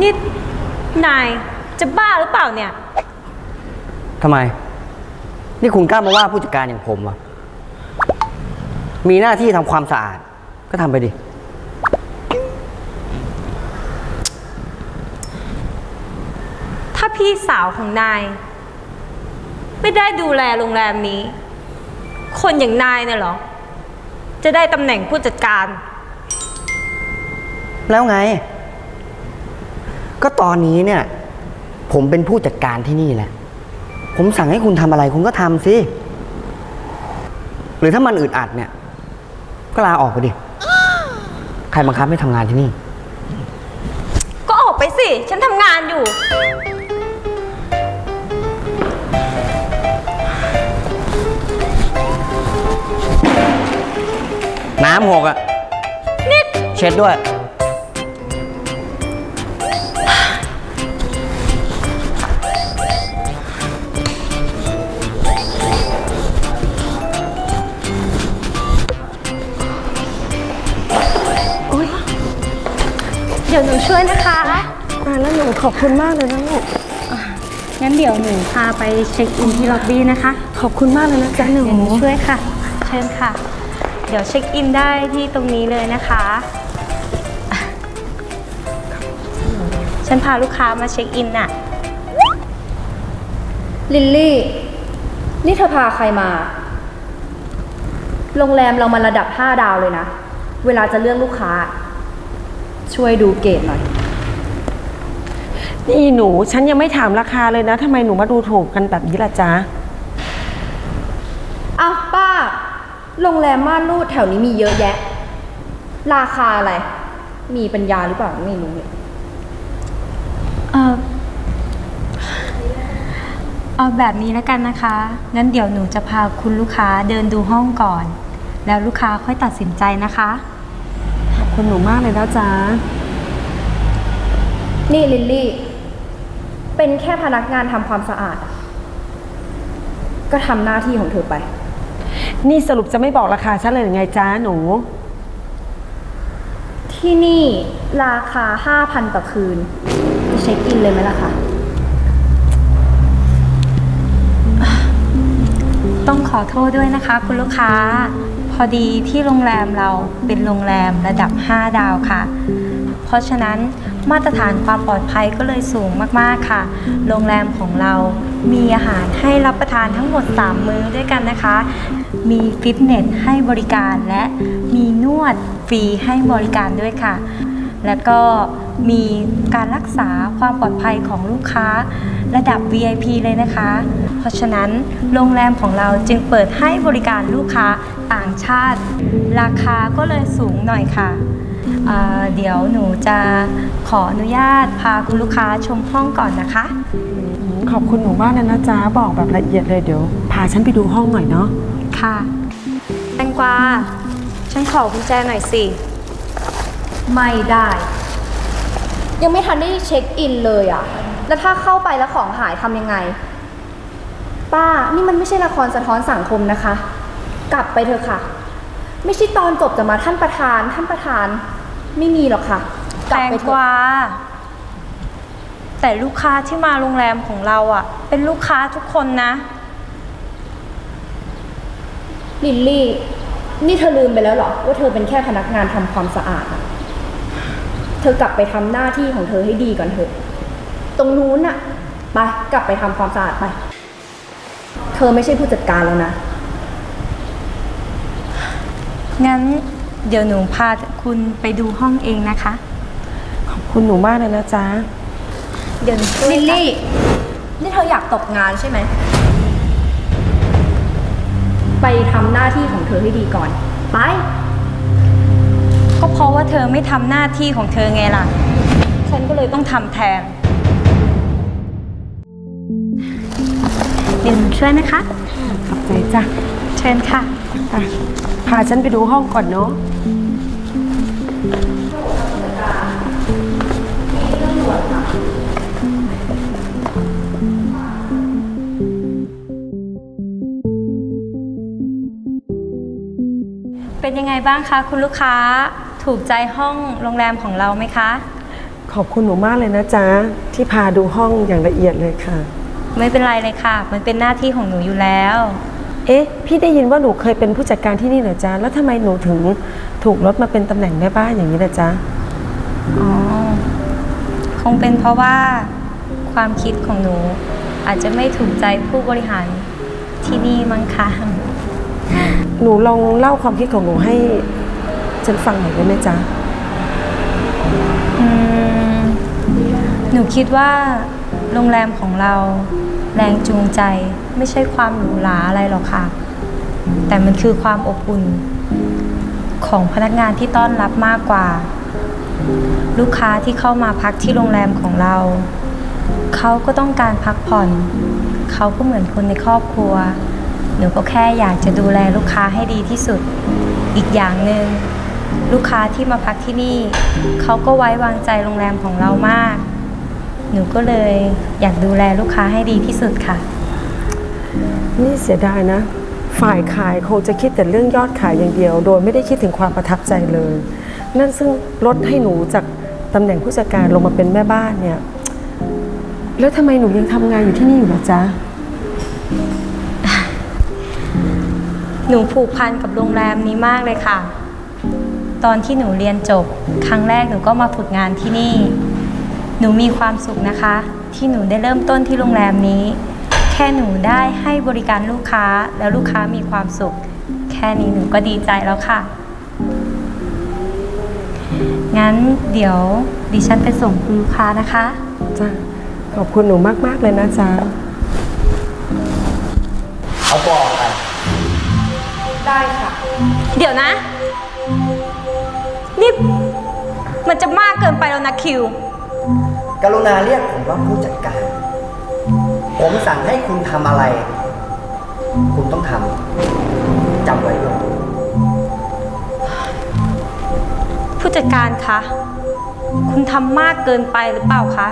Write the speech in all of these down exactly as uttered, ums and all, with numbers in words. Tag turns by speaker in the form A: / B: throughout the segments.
A: นี่นายจะบ้าหรือเปล่าเนี่ย
B: ทำไมนี่คุณกล้ามาว่าผู้จัดการอย่างผมเหรอมีหน้าที่ทำความสะอาดก็ทำไปดิ
A: ถ้าพี่สาวของนายไม่ได้ดูแลโรงแรมนี้ คนอย่างนายเนี่ยเหรอจะได้ตำแหน่งผู้จัดการ
B: แล้วไงก็ตอนนี้เนี่ยผมเป็นผู้จัดการที่นี่แหละผมสั่งให้คุณทำอะไรคุณก็ทำสิหรือถ้ามันอึดอัดเนี่ยก็ลาออกไปดิใครบังคับให้ทำงานที่นี่
A: ก็ออกไปสิฉันทำงานอยู่
B: น้ำหกอ่ะ
A: นิด
B: เช็ดด้วย
A: เดี๋ยวหนูช่วยนะคะ
C: แล้วหนูขอบคุณมากเลยนะลูก
A: งั้นเดี๋ยวหนูพาไปเช็คอินที่ล็อบบี้นะคะ
C: ขอบคุณมากเลยนะจ๊ะหนู
A: หนูช่วยค่ะเชิญค่ะเดี๋ยวเช็คอินได้ที่ตรงนี้เลยนะคะฉันพาลูกค้ามาเช็คอินน่ะ
D: ลิลลี่นี่เธอพาใครมาโรงแรมเรามันระดับห้าดาวเลยนะเวลาจะเลือกลูกค้าช่วยดูเกรดหน่อย
C: นี่หนูฉันยังไม่ถามราคาเลยนะทำไมหนูมาดูถูกกันแบบนี้ล่ะจ๊ะ
D: อ้าวป้าโรงแรมม่านรูดแถวนี้มีเยอะแยะราคาอะไรมีปัญญาหรือเปล่าไม่รู้เนี่ย
A: เออเอาแบบนี้แล้วกันนะคะงั้นเดี๋ยวหนูจะพาคุณลูกค้าเดินดูห้องก่อนแล้วลูกค้าค่อยตัดสินใจนะคะ
C: ขอบคุณหนูมากเลยนะจ๊ะ
D: นี่ลิลลี่เป็นแค่พนักงานทำความสะอาดก็ทำหน้าที่ของเธอไป
C: นี่สรุปจะไม่บอกราคาฉันเลยหรือไงจ๊ะหนู
D: ที่นี่ราคา ห้าพัน ต่อคืนจะเช็คอินเลยไหมล่ะคะ
A: ต้องขอโทษด้วยนะคะคุณลูกค้าพอดีที่โรงแรมเราเป็นโรงแรมระดับห้าดาวค่ะเพราะฉะนั้นมาตรฐานความปลอดภัยก็เลยสูงมากๆค่ะโรงแรมของเรามีอาหารให้รับประทานทั้งหมดสามมื้อด้วยกันนะคะมีฟิตเนสให้บริการและมีนวดฟรีให้บริการด้วยค่ะแล้วก็มีการรักษาความปลอดภัยของลูกค้าระดับ วี ไอ พี เลยนะคะเพราะฉะนั้นโรงแรมของเราจึงเปิดให้บริการลูกค้าต่างชาติราคาก็เลยสูงหน่อยค่ะเอ่อเดี๋ยวหนูจะขออนุญาตพาคุณลูกค้าชมห้องก่อนนะคะ
C: ขอบคุณหนูมากเลยนะจ๊ะบอกแบบละเอียดเลยเดี๋ยวพาฉันไปดูห้องหน่อยเนาะ
A: ค่ะแตงกวาฉันขอกุญแจหน่อยสิ
D: ไม่ได้ยังไม่ทันได้เช็คอินเลยอะแล้วถ้าเข้าไปแล้วของหายทำยังไงป้านี่มันไม่ใช่ละครสะท้อนสังคมนะคะกลับไปเถอะค่ะไม่ใช่ตอนจบจะมาท่านประธานท่านประธานไม่มีหรอกค่ะ
A: แตงกวาแต่ลูกค้าที่มาโรงแรมของเราอะเป็นลูกค้าทุกคนนะ
D: ลิลลี่นี่เธอลืมไปแล้วเหรอว่าเธอเป็นแค่พนักงานทำความสะอาดอะเธอกลับไปทำหน้าที่ของเธอให้ดีก่อนเถอะตรงนู้นน่ะไปกลับไปทำความสะอาดไปเธอไม่ใช่ผู้จัดการแล้วนะ
A: งั้นเดี๋ยวหนูพาคุณไปดูห้องเองนะคะ
C: ขอบคุณหนูมากเลยนะจ๊ะ
A: เดี๋ยว
D: ลิลลี่นี่เธออยากตกงานใช่ไหมไปทำหน้าที่ของเธอให้ดีก่อนไป
A: ก็เพราะว่าเธอไม่ทำหน้าที่ของเธอไงล่ะฉันก็เลยต้องทำแทนเดี๋ยวหนูช่วยนะคะ
C: ขอบใจจ้ะ
A: เชิญค่ะ
C: พาฉันไปดูห้องก่อนเนาะ
A: เป็นยังไงบ้างคะคุณลูกค้าถูกใจห้องโรงแรมของเราไหมคะ
C: ขอบคุณหนูมากเลยนะจ๊ะที่พาดูห้องอย่างละเอียดเลยค่ะ
A: ไม่เป็นไรเลยค่ะ มันเป็นหน้าที่ของหนูอยู่แล้ว
C: เอ๊ะ พี่ได้ยินว่าหนูเคยเป็นผู้จัดการที่นี่เหรอจ๊ะ แล้วทำไมหนูถึงถูกลดมาเป็นตำแหน่งแม่บ้านอย่างนี้ล่ะจ๊ะ
A: อ๋อ คงเป็นเพราะว่าความคิดของหนู อาจจะไม่ถูกใจผู้บริหารที่นี่มั้งคะ
C: หนูลองเล่าความคิดของหนูให้ฉันฟังหน่อยได้ไหมจ๊ะ
A: อืม หนูคิดว่าโรงแรมของเราแรงจูงใจไม่ใช่ความหรูหราอะไรหรอกค่ะ แต่มันคือความอบอุ่นของพนักงานที่ต้อนรับมากกว่า ลูกค้าที่เข้ามาพักที่โรงแรมของเรา เขาก็ต้องการพักผ่อน เขาก็เหมือนคนในครอบครัว หนูก็แค่อยากจะดูแลลูกค้าให้ดีที่สุด อีกอย่างหนึ่งลูกค้าที่มาพักที่นี่ เขาก็ไว้วางใจโรงแรมของเรามาก หนูก็เลยอยากดูแลลูกค้าให้ดีที่สุดค่ะ
C: นี่เสียดายนะ ฝ่ายขายคงจะคิดแต่เรื่องยอดขายอย่างเดียว โดยไม่ได้คิดถึงความประทับใจเลย นั่นซึ่งลดให้หนูจากตำแหน่งผู้จัดการลงมาเป็นแม่บ้านเนี่ย แล้วทำไมหนูยังทำงานอยู่ที่นี่อยู่ล่ะจ๊ะ
A: หนูผูกพันกับโรงแรมนี้มากเลยค่ะ ตอนที่หนูเรียนจบ ครั้งแรกหนูก็มาฝึกงานที่นี่ หนูมีความสุขนะคะ ที่หนูได้เริ่มต้นที่โรงแรมนี้ แค่หนูได้ให้บริการลูกค้าแล้วลูกค้ามีความสุข แค่นี้หนูก็ดีใจแล้วค่ะ งั้นเดี๋ยวดิฉันไปส่งคุณลูกค้านะคะ
C: จ้ะ ขอบคุณหนูมากๆเลยนะจ๊ะ
B: เอาตัวออกไป
D: ได้ค่ะ
A: เดี๋ยวนะ นี่มันจะมากเกินไปแล้วนะคิว
B: กรุณาเรียกผมว่าผู้จัดการ ผมสั่งให้คุณทำอะไร คุณต้องทำจำไว้ด้วย
A: ผู้จัดการคะ คุณทำมากเกินไปหรือเปล่าคะ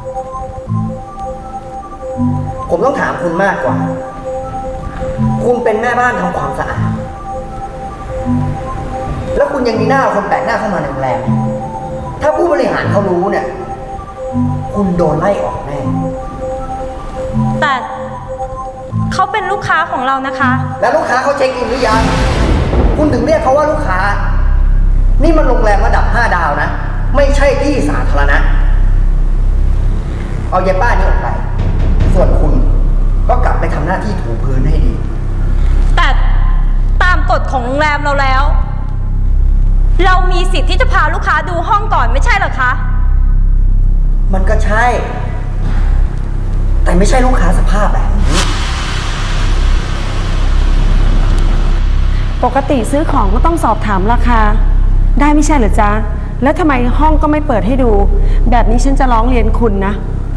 B: ผมต้องถามคุณมากกว่า คุณเป็นแม่บ้านทำความสะอาด แล้วคุณยังมีหน้าเอาคนแปลกหน้าเข้ามาในโรงแรม ถ้าผู้บริหารเขารู้เนี่ย คุณโดนไล่ออกแน่
A: แต่เขาเป็นลูกค้าของเรานะคะ
B: แล้วลูกค้าเขาเช็คอินหรือยัง คุณถึงเรียกเขาว่าลูกค้า นี่มันโรงแรมระดับห้าดาวนะ ไม่ใช่ที่สาธารณะ เอายายป้านี่ออกไป ส่วนคุณก็กลับไปทำหน้าที่ถูพื้นให้ดี
A: แต่ตามกฎของโรงแรมเราแล้ว เรามีสิทธิ์ที่จะพาลูกค้าดูห้องก่อนไม่ใช่เหรอคะ
B: มันก็ใช่ แต่ไม่ใช่ลูกค้าสภาพแบบนี้
C: ปกติซื้อของก็ต้องสอบถามราคา ได้ไม่ใช่เหรอจ๊ะ แล้วทำไมห้องก็ไม่เปิดให้ดู แบบนี้ฉันจะร้องเรียนคุณนะ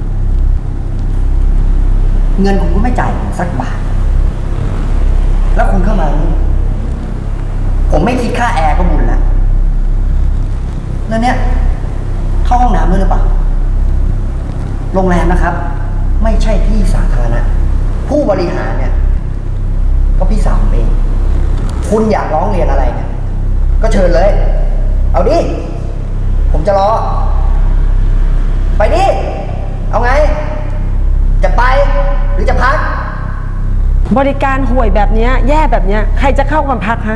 B: เงินคุณก็ไม่จ่ายผมสักบาท แล้วคุณเข้ามานี่ผมไม่คิดค่าแอร์ก็บุญแล้วแล้วเนี่ยเข้าห้องน้ำด้วยหรือเปล่า โรงแรมนะครับ ไม่ใช่ที่สาธารณะ ผู้บริหารเนี่ย ก็พี่สาวผมเอง คุณอยากร้องเรียนอะไรเนี่ย ก็เชิญเลย เอาดิ ผมจะรอ ไปดิ เอาไง จะไปหรือจะพัก
C: บริการห่วยแบบเนี้ยแย่แบบเนี้ยใครจะเข้ามาพักฮะ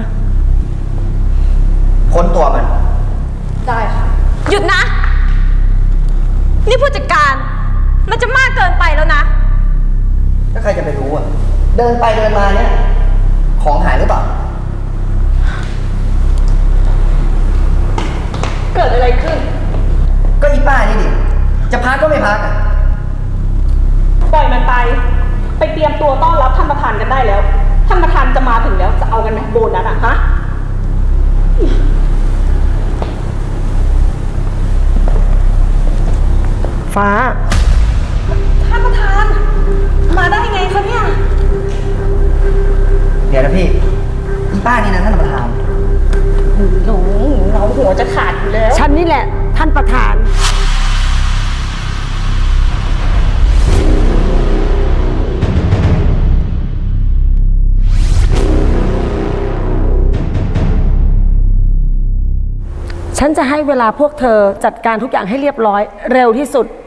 B: ค้นตัวมัน
D: ได้ค่ะ
A: หยุดนะ นี่ผู้จัดการ มันจะมากเกินไปแล้วนะ
B: แล้วใครจะไปรู้อ่ะ เดินไปเดินมาเนี่ย ของหายหรือเปล่า
E: เกิดอะไรขึ้น
B: ก็อีป้านี่ดิ จะพักก็ไม่พักอ่ะ
E: ปล่อยมันไป ไปเตรียมตัวต้อนรับท่านประธานกันได้แล้ว ท่านประธานจะมาถึงแล้ว จะเอากันไหมโบนัสอะฮะ
C: ฟ้า
E: ท่านประธาน มาได้ไงคะเนี่ย
B: เดี๋ยวนะพี่ อีป้านี่นะท่านประธาน
E: หนูเราหัวจะขาดอยู่แล้ว
C: ฉันนี่แหละท่านประธานฉันจะให้เวลาพวกเธอจัดการทุกอย่างให้เรียบร้อยเร็วที่สุด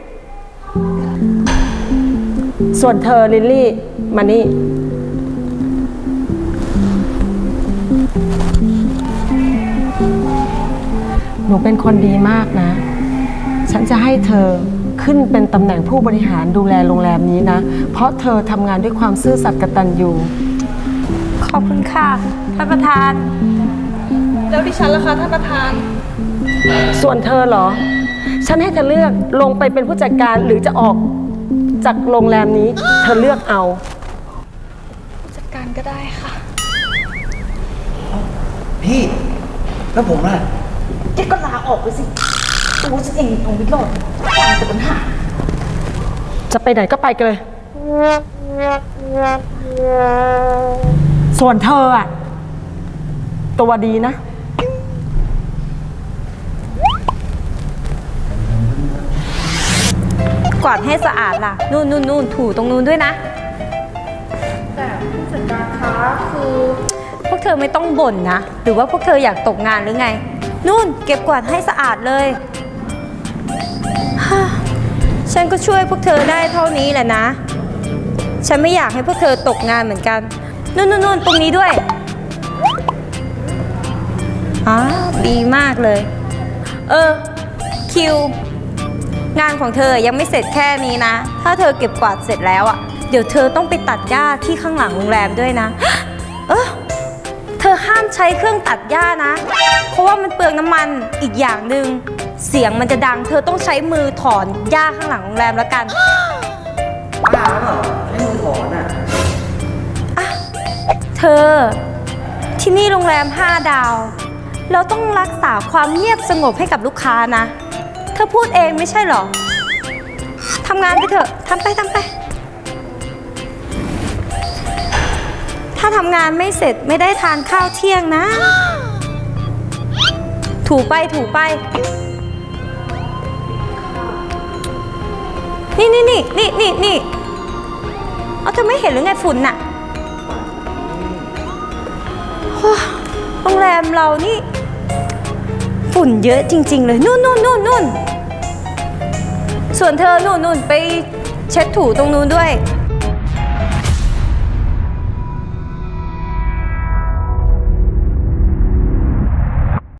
C: ส่วนเธอลิลลี่มานี่ หนูเป็นคนดีมากนะ ฉันจะให้เธอขึ้นเป็นตำแหน่งผู้บริหารดูแลโรงแรมนี้นะ เพราะเธอทำงานด้วยความซื่อสัตย์กตัญญู
A: ขอบคุณค่ะท่านประธาน
E: แล้วดิฉันล่ะคะท่านประธาน
C: ส่วนเธอเหรอ ฉันให้เธอเลือกลงไปเป็นผู้จัดการหรือจะออกจากโรงแรมนี้ เธอเลือกเอา
E: จัดการก็ได้ค่ะ
B: พี่แล้วผมล่ะ
E: แกก็ลาออกไปสิตัวฉันเองเอาไม่รอดแต่ปัญหา
C: จะไปไหนก็ไปกันเลย ส่วนเธออะตัวดีนะ
A: กวาดให้สะอาดล่ะ นู่นนู่นนู่นถูตรงนู้นด้วยนะ
D: แต่ผู้จัดการคะคือ
A: พวกเธอไม่ต้องบ่นนะ หรือว่าพวกเธออยากตกงานหรือไง นู่นเก็บกวาดให้สะอาดเลยฮ่าฉันก็ช่วยพวกเธอได้เท่านี้แหละนะ ฉันไม่อยากให้พวกเธอตกงานเหมือนกัน นู่นนู่นนู่นตรงนี้ด้วยอ๋อดีมากเลย เออ คิว งานของเธอยังไม่เสร็จแค่นี้นะ ถ้าเธอเก็บกวาดเสร็จแล้วอะเดี๋ยวเธอต้องไปตัดหญ้าที่ข้างหลังโรงแรมด้วยนะ เออเธอห้ามใช้เครื่องตัดหญ้านะ เพราะว่ามันเปลืองน้ำมันอีกอย่างหนึ่งเสียงมันจะดัง เธอต้องใช้มือถอนหญ้าข้างหลังโรงแรมแล้วกัน
B: บ้าเปล่าให้มือถอนอ่ะ
A: อะเธอ ที่นี่โรงแรมห้าดาว เราต้องรักษาความเงียบสงบให้กับลูกค้านะ เธอพูดเองไม่ใช่เหรอทำงานไปเถอะทำไปทำไป ถ้าทำงานไม่เสร็จไม่ได้ทานข้าวเที่ยงนะ ถูไปถูไป นี่นี่นี่นี่นี่นี่เอาเธอไม่เห็นหรือไงฝุ่นน่ะโอ้โรงแรมเรานี่ ฝุ่นเยอะจริง ๆ เลย นู่นนู่นนู่นนู่นส่วนเธอนู่นนู่นไปเช็ดถูตรงนู้นด้วย